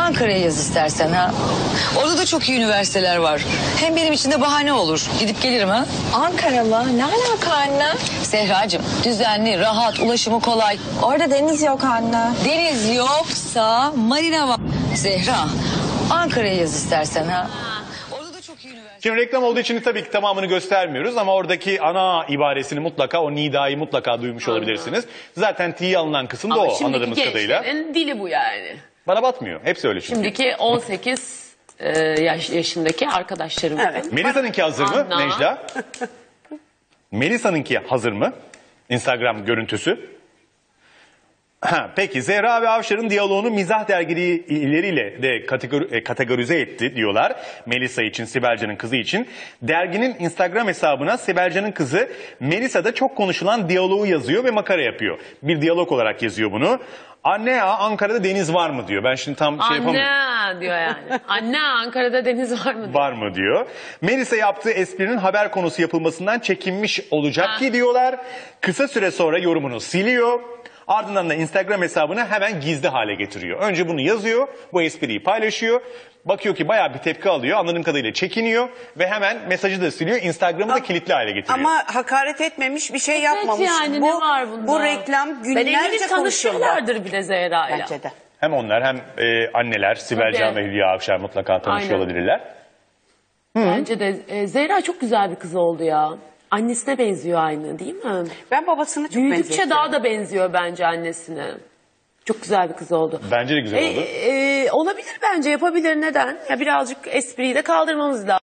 Ankara'ya yaz istersen ha. Orada da çok iyi üniversiteler var. Hem benim için de bahane olur. Gidip gelirim ha. Ankara mı? Ne alaka anne? Zehracığım düzenli, rahat, ulaşımı kolay. Orada deniz yok anne. Deniz yoksa marina var. Zehra, Ankara'ya yaz istersen ha. Orada da çok iyi üniversite. Şimdi reklam olduğu için tabii ki tamamını göstermiyoruz ama oradaki ana ibaresini mutlaka, o nidayı mutlaka duymuş olabilirsiniz. Zaten T'ye alınan kısım da o anladığımız kadarıyla. Gençlerin dili bu yani. Bana batmıyor. Hepsi öyle çünkü. Şimdiki 18 yaşındaki arkadaşlarım. Evet. Melisa'nınki hazır mı Anna. Necla? Melisa'nınki hazır mı? Instagram görüntüsü. Peki Zehra ve Avşar'ın diyaloğunu mizah dergileriyle de kategorize etti diyorlar. Melisa için, Sibelcan'ın kızı için. Derginin Instagram hesabına Sibelcan'ın kızı Melisa da çok konuşulan diyaloğu yazıyor ve makara yapıyor. Bir diyalog olarak yazıyor bunu. Anne ya Ankara'da deniz var mı diyor. Ben şimdi tam şey yapamıyorum. Anne diyor yani. Anne Ankara'da deniz var mı diyor. Var mı diyor. Melisa yaptığı esprinin haber konusu yapılmasından çekinmiş olacak ki diyorlar. Kısa süre sonra yorumunu siliyor. Ardından da Instagram hesabını hemen gizli hale getiriyor. Önce bunu yazıyor, bu espriyi paylaşıyor. Bakıyor ki bayağı bir tepki alıyor, anladığım kadarıyla çekiniyor. Ve hemen mesajı da siliyor, Instagram'ı da kilitli hale getiriyor. Ama hakaret etmemiş, bir şey yapmamış. Yani ne var bunda? Bu reklam Ben eminim günlerce konuşuldu. tanışıyorlardır bile Zehra'yla. Bence de. Hem onlar hem anneler, Sibelcan Tabii. ve Hülya Avşar mutlaka tanışıyor Aynen. olabilirler. Bence de Zehra çok güzel bir kız oldu ya. Annesine benziyor aynı değil mi? Ben babasını çok Büyüdükçe benzetiyorum. daha da benziyor bence annesine. Çok güzel bir kız oldu. Bence de güzel oldu. Olabilir bence, yapabilir, neden? Ya birazcık espriyi de kaldırmamız lazım.